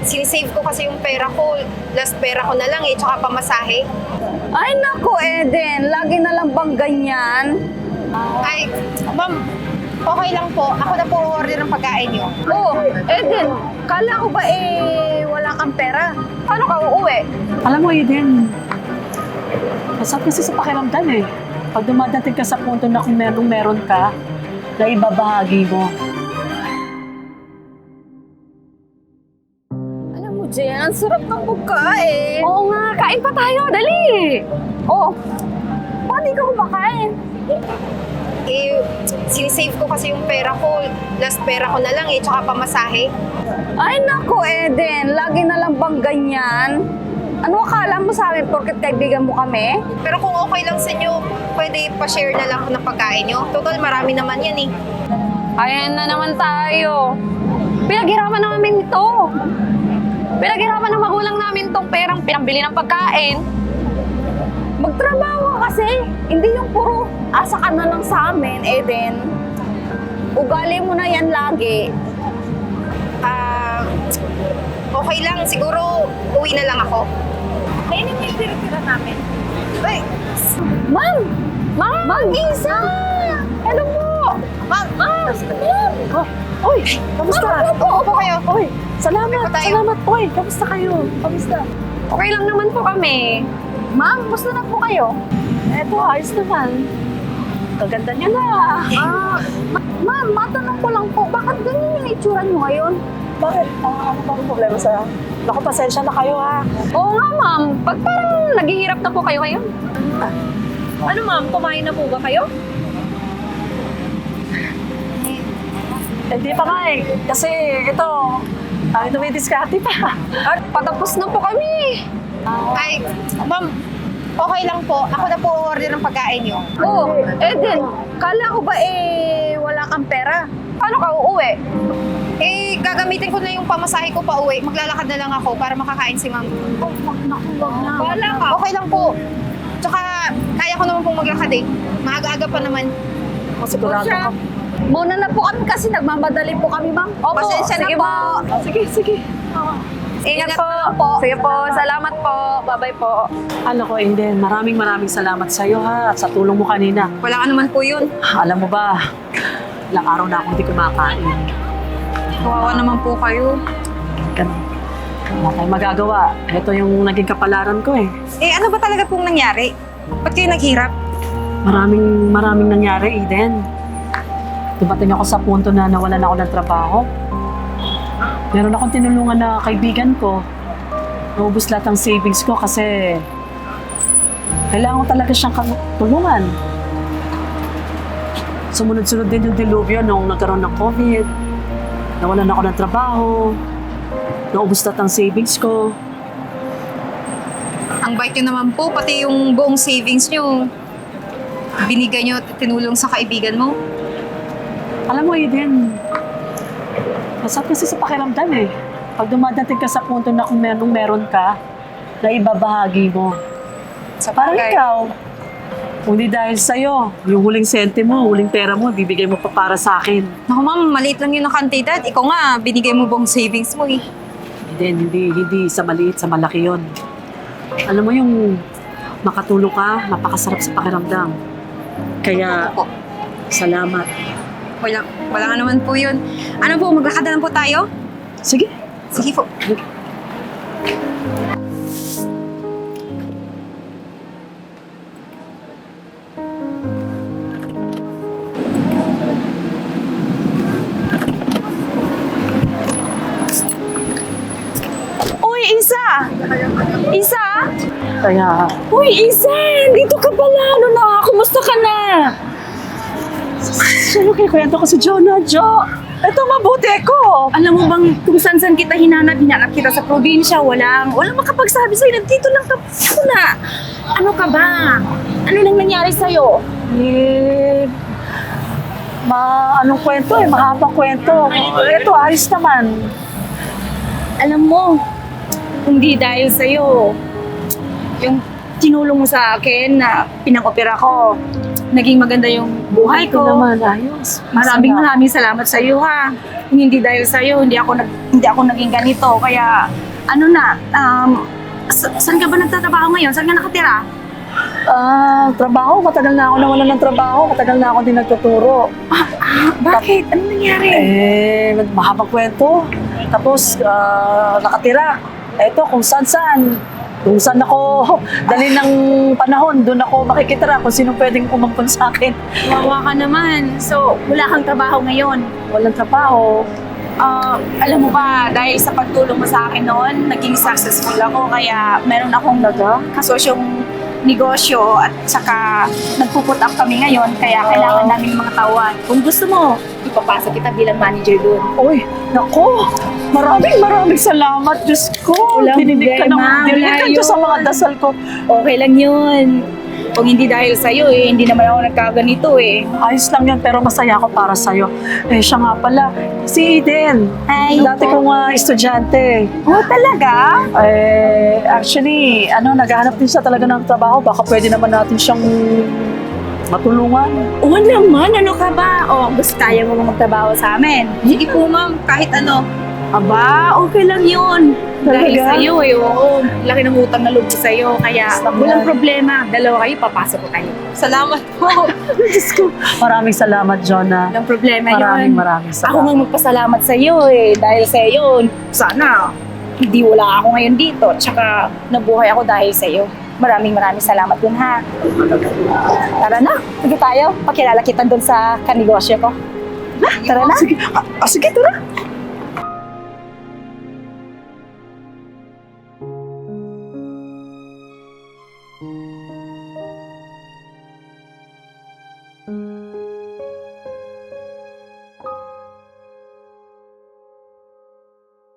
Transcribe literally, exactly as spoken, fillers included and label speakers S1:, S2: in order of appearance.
S1: sinisave ko kasi yung pera ko. Last pera ko na lang eh, tsaka pamasahe.
S2: Ay nako, Eden, lagi na lang bang ganyan?
S1: Ay, ma'am, okay lang po. Ako na po order ng pagkain niyo.
S2: Oh, Eden, kala ko ba eh wala kang pera? Paano ka uuwi?
S3: Alam mo, Eden, masarap kasi sa pakiramdam eh. Pag dumadating ka sa punto na kung merong meron ka, na ibabahagi mo.
S2: Alam mo, Jen, ang sarap ng pagkain.
S4: Oo nga, kain pa tayo, dali!
S2: Oh, bakit di ka kumakain?
S1: Eh, sinisave ko kasi yung pera ko. Last pera ko na lang eh, tsaka pamasahe.
S2: Ay nako, Eden, lagi na lang bang ganyan? Ano akala mo sa amin porket kaibigan mo kami?
S1: Pero kung okay lang sa inyo, pwede pa-share na lang ako ng pagkain niyo. Total, marami naman yan eh.
S4: Ayan na naman tayo. Pinaghirapan namin ito. Pinaghirapan ng magulang namin tong perang pinambili ng pagkain.
S2: Magtrabaho ka kasi. Hindi yung puro asa ka na lang sa amin, Eden. Ugali mo na yan lagi.
S1: Ah, okay lang. Siguro, uwi na lang ako.
S2: Kainin mo yung tira-tira namin.
S1: Ay,
S2: Ma'am! Ma'am! Ma'am Isa! Hello po!
S1: ma'am!
S2: Ma'am! Ma'am!
S3: Oh, oy, kamusta?
S2: Ma'am, upo, upo kayo.
S3: Oy, salamat,
S1: Upo tayo.
S3: salamat, oy. Kamusta kayo? Kamusta?
S4: Okay lang naman po kami.
S2: Ma'am, gusto na po kayo?
S3: Eto, ayos naman. Kaganda niyo na.
S2: Ah, ma- ma'am, matanong ko lang po, bakit ganyan yung itsura niyo ngayon?
S3: Bakit? Ah, ano bang problema sa... Naku, pasensya na kayo ha.
S4: Oo nga, ma'am. Pag parang naghihirap na po kayo ngayon. Ano, ma'am? Kumain na po ba kayo?
S3: Hindi pa nga eh. Kasi ito, ay dumidiskarte pa.
S4: At patapos na po kami.
S1: Ay, ma'am, okay lang po. Ako na po order ng pagkain niyo.
S2: Oh, Eden, kala ko ba eh wala kang pera? Paano ka uuwi?
S1: Eh, gagamitin ko na yung pamasahe ko pa uwi. Maglalakad na lang ako para makakain si ma'am.
S2: Oh, wag na, wag na.
S1: Wala ka. Okay lang po. Tsaka, kaya ko naman pong maglakad eh. Maaga-aga pa naman.
S3: Sigurado ka.
S2: Muna na po kami kasi nagmamadali po kami, ma'am. Opo,
S1: Pasensya na
S2: sige
S1: po.
S3: Sige, sige.
S4: Ingat
S1: Ingat
S4: po.
S1: na po.
S4: Sige po. Salamat po. Bye-bye po.
S3: Alam ko, Inden, maraming maraming salamat sa iyo ha at sa tulong mo kanina.
S1: Wala ka naman po yun.
S3: Alam mo ba, ilang araw na akong hindi kumakain.
S1: Kawawa naman po kayo.
S3: Ganun. Wala tayong magagawa. Ito yung naging kapalaran ko eh.
S1: Eh, ano ba talaga pong nangyari? Ba't kayo naghirap?
S3: Maraming maraming nangyari, Eden. Dumating ako sa punto na nawalan ako ng trabaho. Meron akong tinulungan na kaibigan ko. Naubos lahat ng savings ko kasi kailangan ko talaga siyang tulungan. Sumunod-sunod din yung dilubyo nung nagkaroon ng COVID. Nawalan ako ng trabaho. Naubos lahat ng savings ko.
S1: Ang bait nyo naman po, pati yung buong savings nyo. Binigay nyo, tinulong sa kaibigan mo.
S3: Alam mo, Eden, masarap kasi sa pakiramdam eh. Pag dumadating ka sa punto na kung merong meron ka, na ibabahagi mo.
S1: Sa
S3: Parang
S1: bagay.
S3: ikaw, kung di dahil sa'yo, yung huling sente mo, huling pera mo, bibigay mo pa para sa akin.
S1: Naku ma'am, maliit lang yun ang kantidad. Ikaw nga, binigay mo buong savings mo eh.
S3: Eden, hindi, hindi sa maliit, sa malaki yon. Alam mo yung makatulong ka, napakasarap sa pakiramdam. Kaya,
S1: Opo.
S3: salamat.
S1: Wala, wala nga naman po yun. Ano po, maglakad na lang po tayo?
S3: Sige.
S1: Sige po.
S2: Uy, Isa! Isa!
S3: Kaya,
S2: Uy, Isa! Dito ka pala! Ano na? Kumusta ka na?
S3: sino kayo kwento ko si Jonah, Jo? Ito, mabuti ko.
S2: Alam mo bang kung saan-saan kita hinanap, hinanap kita sa probinsya, walang, walang makapagsabi sa'yo, nandito lang ka na. Ano ka ba? Ano nang nangyari sa'yo?
S3: Eh, ma, anong kwento eh, mahabang kwento. Ito, ayos naman.
S2: Alam mo, hindi dahil sa'yo, yung tinulong mo sa akin na pinang-opera ko, naging maganda yung buhay
S3: Ito
S2: ko.
S3: naman, ayos.
S2: Maraming
S3: Masarap.
S2: maraming salamat sa iyo ha. Kung hindi dahil sa'yo, hindi ako, nag, hindi ako naging ganito. Kaya, ano na, um, sa- saan ka ba nagtatrabaho ngayon? Saan ka nakatira?
S3: Ah, trabaho, matagal na ako nawalan ng trabaho, matagal na ako din nagtuturo.
S2: Ah, bakit? Ano nangyari?
S3: Eh, mahabang kwento. Tapos, ah, nakatira. Eto, kung saan-saan. Kung saan ako dali ng panahon, doon ako makikitira kung sino pwedeng umampun sa akin.
S2: Wawa ka naman. So, wala kang trabaho ngayon.
S3: Walang trabaho.
S2: Ah, alam mo ba, dahil sa pagtulong mo sa akin noon, naging successful ako. Kaya meron akong
S3: Talaga?
S2: kasosyong negosyo at saka nagpuput up kami ngayon. Kaya kailangan
S3: Ah.
S2: namin mga tauhan. Kung gusto mo, ipapasok kita bilang manager doon.
S3: Uy, nako, maraming maraming salamat, Diyos ko.
S2: Walang
S3: Dininig ka ng,
S2: problema,
S3: dininig
S2: wala
S3: ka Diyos sa
S2: yun.
S3: mga dasal ko.
S2: Okay lang yun. Kung hindi dahil sa'yo, eh, hindi naman ako nagkaganito eh.
S3: Ayos lang yan, pero masaya ako para sa'yo. Eh, siya nga pala, si Eden.
S2: Ay,
S3: Dati kong uh, estudyante.
S2: oh, talaga?
S3: Eh, actually, ano, naghahanap din siya talaga ng trabaho. Baka pwede naman natin siyang matulungan.
S2: Oo naman, ano ka ba? O, gusto kaya mo magtrabaho sa amin? Sige po ma'am, kahit ano. Aba, okay lang yun. Dahil
S3: Talaga?
S2: sa'yo eh, oo. Laki ng utang na loob ko sa'yo, kaya
S3: Basta
S2: walang
S3: yan.
S2: problema. Dalawa kayo, papasok ko kayo. Salamat po.
S3: Diyos ko. Maraming salamat, Jonah.
S2: Walang problema
S3: Maraming
S2: yun.
S3: maraming salamat.
S2: Ako nga magpasalamat sa'yo eh. Dahil sa'yo, sana hindi wala ako ngayon dito. Tsaka nabuhay ako dahil sa'yo. Maraming maraming salamat dun ha. Tara na, sige tayo. Pakilala kita dun sa kanegosyo ko. Tara na.
S3: Sige, ah, ah, sige, tara.